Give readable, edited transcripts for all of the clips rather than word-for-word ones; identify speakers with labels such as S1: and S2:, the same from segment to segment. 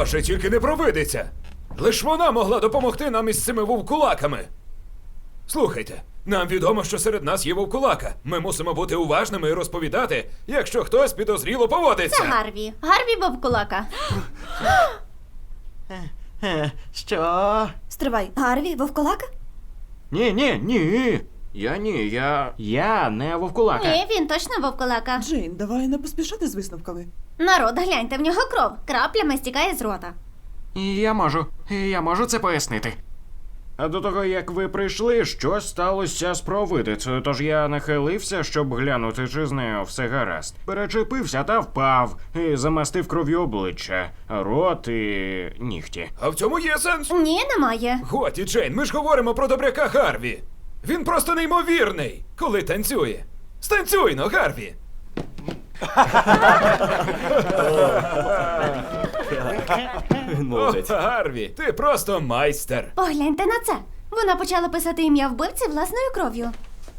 S1: Боже, тільки не провидиться! Лиш вона могла допомогти нам із цими вовкулаками. Слухайте, нам відомо, що серед нас є вовкулака. Ми мусимо бути уважними і розповідати, якщо хтось підозріло поводиться.
S2: Це Гарві. Гарві вовкулака.
S3: Що?
S4: Стривай, Гарві, вовкулака?
S3: Ні. Я не вовкулака.
S2: Ні, він точно вовкулака.
S5: Джейн, давай не поспішати з висновками.
S2: Народ, гляньте, в нього кров. Краплями стікає з рота.
S3: Я можу це пояснити. А до того, як ви прийшли, щось сталося з провидицею, тож я нахилився, щоб глянути, чи з нею все гаразд. Перечепився та впав, і замастив кров'ю обличчя, рот і нігті.
S1: А в цьому є сенс?
S2: Ні, немає.
S1: Готі, Джейн, ми ж говоримо про добряка Гарві. Він просто неймовірний, коли танцює. Станцюй, но, Гарві! О, Гарві, ти просто майстер.
S2: Погляньте на це. Вона почала писати ім'я вбивці власною кров'ю.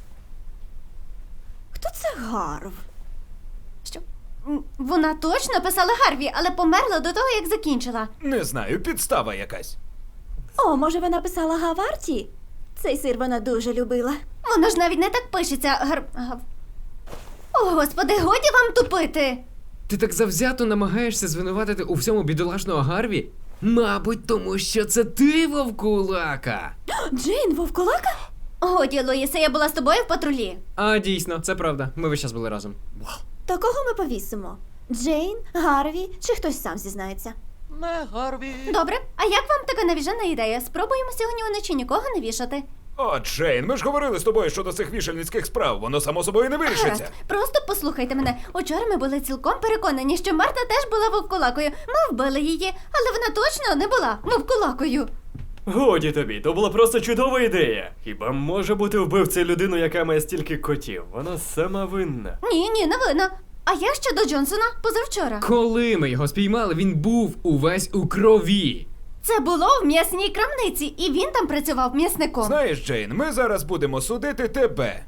S4: Хто це Гарв?
S2: Що? Вона точно писала Гарві, але померла до того, як закінчила.
S1: Не знаю, підстава якась.
S4: О, може вона писала Гаварті? Цей сир вона дуже любила.
S2: Воно ж навіть не так пишеться. О, господи, годі вам тупити.
S6: Ти так завзято намагаєшся звинуватити у всьому бідолашного Гарві? Мабуть, тому що це ти вовкулака.
S4: Джейн, вовкулака?
S2: Годі, Луїсе, я була з тобою в патрулі.
S6: А, дійсно, це правда. Ми весь час були разом.
S4: То кого ми повісимо? Джейн, Гарві чи хтось сам зізнається?
S3: Не Гарві.
S2: Добре, а як вам така навіжена ідея? Спробуємо сьогодні уночі нікого не вішати.
S1: О, Джейн, ми ж говорили з тобою щодо цих вішальницьких справ, воно само собою не
S2: Гаразд,
S1: вирішиться.
S2: просто послухайте мене. Учора ми були цілком переконані, що Марта теж була вовкулакою. Ми вбили її, але вона точно не була вовкулакою.
S7: Годі тобі, то була просто чудова ідея. Хіба може бути вбивцею людину, яка має стільки котів? Вона сама винна.
S2: Ні, не винна. А як щодо Джонсона позавчора?
S6: Коли ми його спіймали, він був увесь у крові.
S2: Це було в м'ясній крамниці, і він там працював м'ясником.
S1: Знаєш, Джейн, ми зараз будемо судити тебе.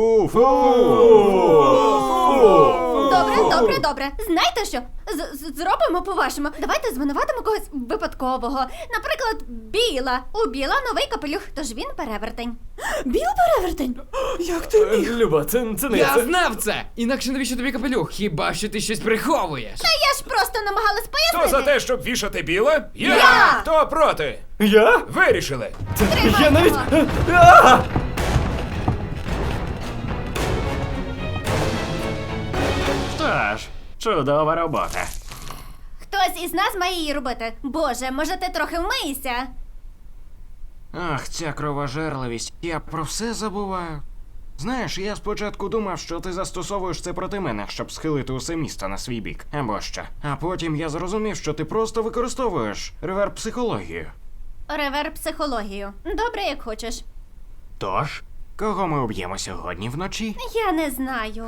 S2: Добре. Знаєте що? Зробимо по-вашому. Давайте звинуватимо когось випадкового. Наприклад, Біла. У Біла новий капелюх, тож він перевертень.
S4: Біл перевертень?
S5: Як ти міг?
S7: Люба, це не
S6: Я
S7: це.
S6: знав це! Інакше навіщо тобі капелюх? Хіба що ти щось приховуєш?
S2: Та я ж просто намагалась
S1: Хто
S2: пояснити.
S1: за те, щоб вішати біле?
S2: Я!
S1: Хто проти?
S7: Я?
S1: Вирішили.
S7: Я навіть.
S2: Його.
S3: Що ж, чудова робота.
S2: Хтось із нас має її робити. Боже, може ти трохи вмийся?
S3: Ах, ця кровожерливість. Я про все забуваю. Знаєш, я спочатку думав, що ти застосовуєш це проти мене, щоб схилити усе місто на свій бік. Або що. А потім я зрозумів, що ти просто використовуєш реверб-психологію.
S2: Реверб-психологію. Добре, як хочеш.
S3: Тож, кого ми об'ємо сьогодні вночі?
S2: Я не знаю.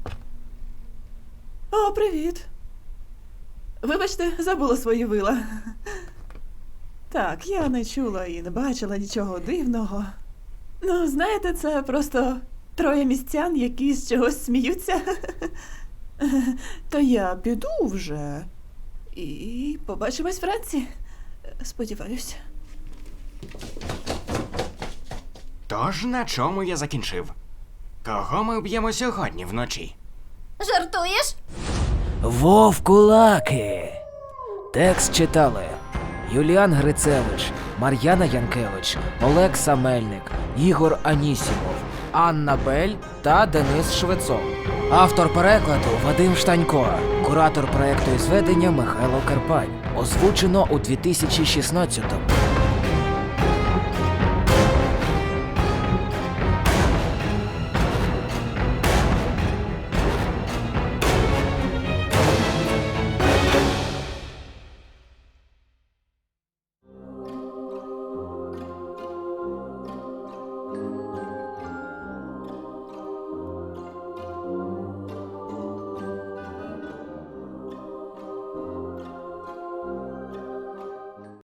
S5: О, привіт. Вибачте, забула свої вила. Так, я не чула і не бачила нічого дивного. Ну, знаєте, це просто троє містян, які з чогось сміються. То я піду вже. І побачимось вранці. Сподіваюсь.
S3: Тож, на чому я закінчив? Кого ми об'ємо сьогодні вночі?
S2: Жартуєш?
S8: Вовкулаки. Текст читали Юліан Грицевич, Мар'яна Янкевич, Олекса Мельник, Ігор Анісімов, Анна Бель та Денис Швецов. Автор перекладу Вадим Штанько. Куратор проекту і зведення Михайло Карпань. Озвучено у 2016-му.